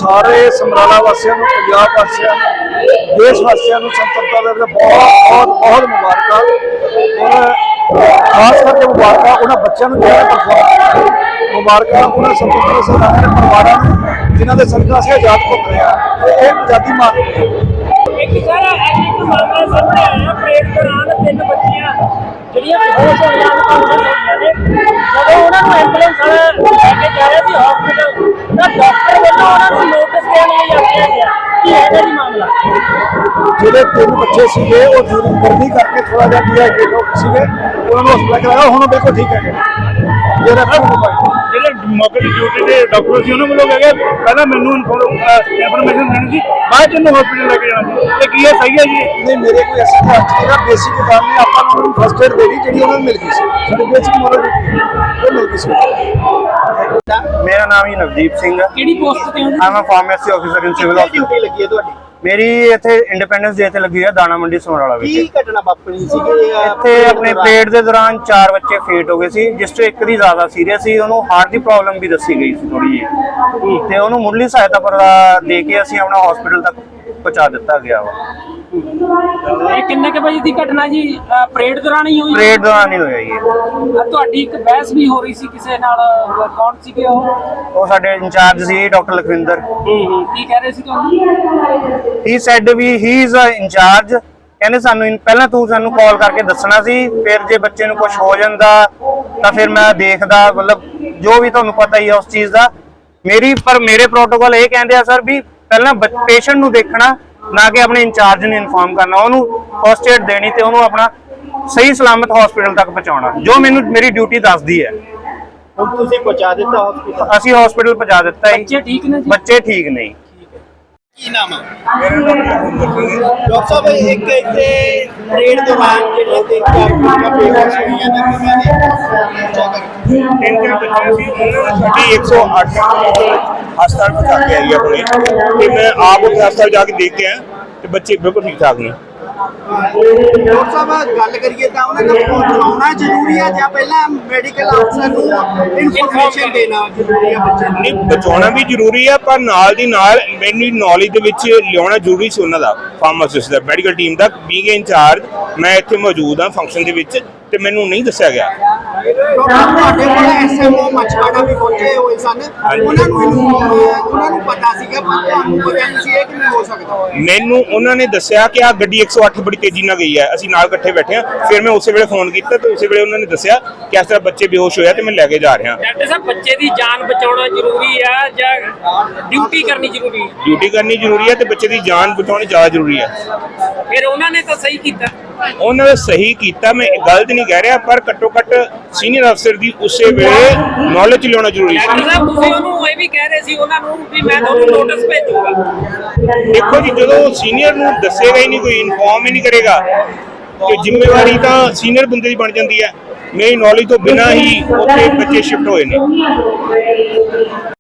सारे समराला वासियों को, पंजाब वासियों को, देश वासियों को स्वतंत्रता दिवस बहुत बहुत बहुत मुबारक। और खास करके मुबारक उन्होंने बच्चों को जो मुबारक उन्होंने स्वतंत्रता सेनानियों के परिवारों जिन्होंने सदका से आजाद घूम रहे हैं, ये आजादी मान रहे हैं। एक सारा एक मामला सामने आया परेड दौरान तीन बच्चियां ਜਿਹੜੀਆਂ ਬੇਹੋਸ਼ ਹੋ ਗਈਆਂ ਨੇ ਜਦੋਂ ਉਹਨਾਂ ਨੂੰ ਐਂਬੂਲੈਂਸ ਵਾਲਾ ਲੈ ਕੇ ਜਾ ਰਿਹਾ ਸੀ ਹਸਪੀਟਲ ਤਾਂ ਡਾਕਟਰ ਵੱਲੋਂ ਉਹਨਾਂ ਨੂੰ ਨੋਟਿਸ ਦੇਣ ਲਈ ਆਖਿਆ ਗਿਆ ਕਿ ਇਹਦਾ ਹੀ ਮਾਮਲਾ ਜਿਹੜੇ ਤਿੰਨ ਬੱਚੇ ਸੀਗੇ ਉਹ ਗਰਮੀ ਕਰਕੇ ਥੋੜਾ ਜਿਹਾ ਡੀਹਾਈਡਰੇਟ ਹੋ ਗਏ ਸੀਗੇ, ਉਹਨਾਂ ਨੂੰ ਹਸਪਤਾਲ ਕਰਾਇਆ, ਹੁਣ ਬਿਲਕੁਲ ਠੀਕ ਹੈਗੇ। ਇਹ ਰੈਫਰ ਹੋ ਪਾਏ ਜਿਹੜੇ ਮੌਕੇ ਦੀ ਡਿਊਟੀ ਦੇ ਡਾਕਟਰ ਸੀ ਉਹਨਾਂ ਵੱਲੋਂ ਕਹੇ ਪਹਿਲਾਂ ਮੈਨੂੰ ਇਨਫੋਰਮੇਸ਼ਨ ਦੇਣੀ ਸੀ, ਬਾਅਦ ਚ ਇਹਨੂੰ ਹਸਪੀਟਲ ਲੈ ਕੇ ਜਾਣਾ ਸੀ। ਇਹ ਕੀ ਹੈ, ਸਹੀ ਹੈ ਜੀ? ਨਹੀਂ, ਮੇਰੇ ਕੋਈ ਐਸੀ ਧਿਆਨ ਚ ਨਹੀਂਗਾ। ਬੇਸਿਕ ਗੱਲ ਨੇ ਆਪਾਂ ਨੂੰ ਫਸਟ ਏਡ ਦੇਣੀ ਜਿਹੜੀ ਉਹਨਾਂ ਨੂੰ ਮਿਲ ਗਈ ਸੀ, ਸਾਡੀ ਬੇਸਿਕ ਮੋਰਲ ਉਹ ਮਿਲ ਗਈ ਸੀ। ਮੇਰਾ ਨਾਮ ਹੀ ਨਵਦੀਪ ਸਿੰਘ ਹੈ। ਕਿਹੜੀ ਪੋਸਟ ਤੇ ਹੋ ਆਮ pharmacy officer in civil duty ਲੱਗੀ ਹੈ ਤੁਹਾਡੀ? ਮੇਰੀ ਇੱਥੇ ਇੰਡੀਪੈਂਡੈਂਸ ਡੇ ਤੇ ਲੱਗੀ ਹੈ ਦਾਣਾ ਮੰਡੀ ਸਮਰਾਲਾ ਵਿੱਚ। ਕੀ ਘਟਨਾ ਵਾਪਰੀ ਸੀਗੀ ਇੱਥੇ ਆਪਣੇ ਪਰੇਡ ਦੇ ਦੌਰਾਨ 4 ਬੱਚੇ ਫੇਟ ਹੋ ਗਏ ਸੀ, ਜਿਸ ਤੋਂ ਇੱਕ ਦੀ ਜ਼ਿਆਦਾ ਸੀਰੀਅਸ ਸੀ, ਉਹਨੂੰ ਹਾਰਟ ਦੀ ਪ੍ਰੋਬਲਮ ਵੀ ਦੱਸੀ ਗਈ ਸੀ ਥੋੜੀ ਜਿਹੀ, ਤੇ ਉਹਨੂੰ ਮੁੱਢਲੀ ਸਹਾਇਤਾ ਪਰ ਦੇ ਕੇ ਅਸੀਂ ਆਪਣਾ ਹਸਪੀਟਲ ਤੱਕ ਪਹੁੰਚਾ ਦਿੱਤਾ ਗਿਆ ਵਾ। ਇਹ ਕਿੰਨੇ ਕੇ ਵਜੇ ਦੀ ਘਟਨਾ ਜੀ? ਪਰੇਡ ਦੌਰਾਨ ਹੀ ਹੋਈ? ਪਰੇਡ ਦੌਰਾਨ ਹੀ ਹੋਇਆ ਜੀ। ਤੁਹਾਡੀ ਇੱਕ ਬਹਿਸ ਵੀ ਹੋ ਰਹੀ ਸੀ ਕਿਸੇ ਨਾਲ, ਕੌਣ ਸੀਗੇ ਉਹ ਸਾਡੇ ਇੰਚਾਰਜ ਸੀ ਡਾਕਟਰ ਲਖਵਿੰਦਰ। ਕੀ ਕਹਿ ਰਹੇ ਸੀ ਤੁਹਾਨੂੰ? ਹੀ ਸੈਡ ਵੀ ਹੀ ਇਜ਼ ਅ ਇੰਚਾਰਜ। ਕਹਿੰਦੇ ਸਾਨੂੰ ਪਹਿਲਾਂ ਤੂੰ ਸਾਨੂੰ ਕਾਲ ਕਰਕੇ ਦੱਸਣਾ ਸੀ, ਫਿਰ ਜੇ ਬੱਚੇ ਨੂੰ ਕੁਝ ਹੋ ਜਾਂਦਾ ਤਾਂ ਫਿਰ ਮੈਂ ਦੇਖਦਾ, ਮਤਲਬ ਜੋ ਵੀ ਤੁਹਾਨੂੰ ਪਤਾ ਹੀ ਹੈ ਉਸ ਚੀਜ਼ ਦਾ। ਮੇਰੇ ਪ੍ਰੋਟੋਕਾਲ ਇਹ ਕਹਿੰਦੇ ਆ ਸਰ ਵੀ ਪਹਿਲਾਂ ਪੇਸ਼ੈਂਟ ਨੂੰ ਦੇਖਣਾ, ਨਾ ਕਿ ਆਪਣੇ ਇੰਚਾਰਜ ਨੂੰ ਇਨਫਾਰਮ ਕਰਨਾ, ਉਹਨੂੰ ਫਸਟ ਏਡ ਦੇਣੀ ਤੇ ਉਹਨੂੰ ਆਪਣਾ ਸਹੀ ਸਲਾਮਤ ਹਸਪੀਟਲ ਤੱਕ ਪਹੁੰਚਾਉਣਾ, ਜੋ ਮੇਰੀ ਡਿਊਟੀ ਦੱਸਦੀ ਹੈ। ਹੁਣ ਤੁਸੀਂ ਪਹੁੰਚਾ ਦਿੱਤਾ ਹਸਪੀਟਲ? ਅਸੀਂ ਹਸਪੀਟਲ ਪਹੁੰਚਾ ਦਿੱਤਾ ਹੈ। ਬੱਚੇ ਠੀਕ ਨੇ ਜੀ? ਬੱਚੇ ਠੀਕ ਨਹੀਂ। ਕੀ ਨਾਮ ਹੈ? ਡਾਕਟਰ ਸਾਹਿਬ, ਇੱਕ ਇੱਥੇ ਪਰੇਡ ਦੌਰਾਨ ਜਿਹੜੀਆਂ ਤਿੰਨ ਚਾਰ ਕੁੜੀਆਂ ਬੇਹੋਸ਼ ਹੋਈਆਂ ਨੇ, ਕਿਵੇਂ ਦੀ ਤਿੰਨ ਚਾਰ ਬੱਚੇ ਸੀ, ਉਹਨਾਂ ਨੂੰ ਸਾਡੀ 108 ਹਸਪਤਾਲ ਪਹੁੰਚਾ ਕੇ ਆਈ ਆਪਣੇ, ਤੇ ਮੈਂ ਆਪ ਉੱਥੇ ਹਸਪਤਾਲ ਜਾ ਕੇ ਦੇਖ ਕੇ ਆਇਆ ਤੇ ਬੱਚੇ ਬਿਲਕੁਲ ਠੀਕ ਠਾਕ ਨੇ। ਡਾਕਟਰ ਸਾਹਿਬ, ਗੱਲ ਕਰੀਏ ਤਾਂ ਉਹਨਾਂ ਨੂੰ ਪਹੁੰਚਾਉਣਾ ਜ਼ਰੂਰੀ ਹੈ ਜਾਂ ਪਹਿਲਾਂ ਮੈਡੀਕਲ ਅਫਸਰ ਨੂੰ ਇਨਫੋਰਮੇਸ਼ਨ ਦੇਣਾ ਜ਼ਰੂਰੀ ਹੈ ਬੱਚੇ ਨੂੰ? ਨਹੀਂ, ਬਚਾਉਣਾ ਵੀ ਜ਼ਰੂਰੀ ਆ, ਪਰ ਨਾਲ ਦੀ ਨਾਲ ਮੈਨੂੰ ਨੌਲੇਜ ਦੇ ਵਿੱਚ ਲਿਆਉਣਾ ਜ਼ਰੂਰੀ ਸੀ ਉਹਨਾਂ ਦਾ, ਫਾਰਮਾਸਿਸਟ ਦਾ, ਮੈਡੀਕਲ ਟੀਮ ਦਾ। ਬੀਇੰਗ ਇੰਚਾਰਜ ਮੈਂ ਇੱਥੇ ਮੌਜੂਦ ਹਾਂ ਫੰਕਸ਼ਨ ਦੇ ਵਿੱਚ, ਤੇ ਮੈਨੂੰ ਨਹੀਂ ਦੱਸਿਆ ਗਿਆ। ਤੁਹਾਡੇ ਕੋਲ ਐਸਐਮਓ ਮਛਵਾੜਾ ਵੀ ਪਹੁੰਚੇ ਹੋਏ ਸਨ, ਉਹਨਾਂ ਨੂੰ ਪਤਾ ਸੀਗਾ, ਪਰ ਤੁਹਾਨੂੰ ਪਤਾ ਨਹੀਂ ਸੀ ਇਹ ਕਿਵੇਂ ਹੋ ਸਕਦਾ? ਮੈਨੂੰ ਉਹਨਾਂ ਨੇ ਦੱਸਿਆ ਕਿ ਆ ਗੱਡੀ 108 ਬੜੀ ਤੇਜ਼ੀ ਨਾਲ ਗਈ ਹੈ, ਅਸੀਂ ਨਾਲ ਇਕੱਠੇ ਬੈਠੇ ਹਾਂ। ਫਿਰ ਮੈਂ ਉਸੇ ਵੇਲੇ ਫੋਨ ਕੀਤਾ ਤੇ ਉਸੇ ਵੇਲੇ ਉਹਨਾਂ ਨੇ ਦੱਸਿਆ ਕਿ ਇਸ ਤਰ੍ਹਾਂ ਬੱਚੇ ਬੇਹੋਸ਼ ਹੋਇਆ ਤੇ ਮੈਂ ਲੈ ਕੇ ਜਾ ਰਿਹਾ। ਡਾਕਟਰ ਸਾਹਿਬ, ਬੱਚੇ ਦੀ ਜਾਨ ਬਚਾਉਣਾ ਜ਼ਰੂਰੀ ਆ ਜਾਂ ਡਿਊਟੀ ਕਰਨੀ ਜ਼ਰੂਰੀ ਹੈ? ਡਿਊਟੀ ਕਰਨੀ ਜ਼ਰੂਰੀ ਹੈ ਤੇ ਬੱਚੇ ਦੀ ਜਾਨ ਬਚਾਉਣੀ ਜ਼ਿਆਦਾ ਜ਼ਰੂਰੀ ਹੈ। ਫਿਰ ਉਹਨਾਂ ਨੇ ਤਾਂ ਸਹੀ ਕੀਤਾ? ਉਹਨਾਂ ਨੇ ਸਹੀ ਕੀਤਾ, ਮੈਂ ਗਲਤ ਨਹੀਂ ਕਹਿ ਰਿਹਾ, ਪਰ ਘੱਟੋ ਘੱਟ ਸੀਨੀਅਰ ਅਫਸਰ ਦੀ ਉਸੇ ਵੇਲੇ ਨੌਲੇਜ ਲਿਆਉਣਾ ਜ਼ਰੂਰੀ ਸੀ। ਡਾਕਟਰ ਸਾਹਿਬ, ਤੁਸੀਂ ਉਹਨੂੰ ਇਹ ਵੀ ਕਹਿ ਰਹੇ ਸੀ ਉਹਨਾਂ ਨੂੰ ਵੀ ਮੈਂ ਤੁਹਾਨੂੰ ਨੋਟਿਸ ਭੇਜੂਗਾ। ਦੇਖੋ ਜੀ, ਜਦੋਂ ਸੀਨੀਅਰ ਨੂੰ ਦੱਸੇਗਾ ਹੀ ਨਹੀਂ, ਕੋਈ ਇਨਫੋਰਮ ਹੀ ਨਹੀਂ ਕਰੇਗਾ, ਤੇ ਜ਼ਿੰਮੇਵਾਰੀ ਤਾਂ ਸੀਨੀਅਰ ਬੰਦੇ ਦੀ ਬਣ ਜਾਂਦੀ ਹੈ। ਮੇਰੀ ਨੌਲੇਜ ਤੋਂ ਬਿਨਾਂ ਹੀ ਉੱਥੇ ਬੱਚੇ ਸ਼ਿਫਟ ਹੋਏ ਨੇ।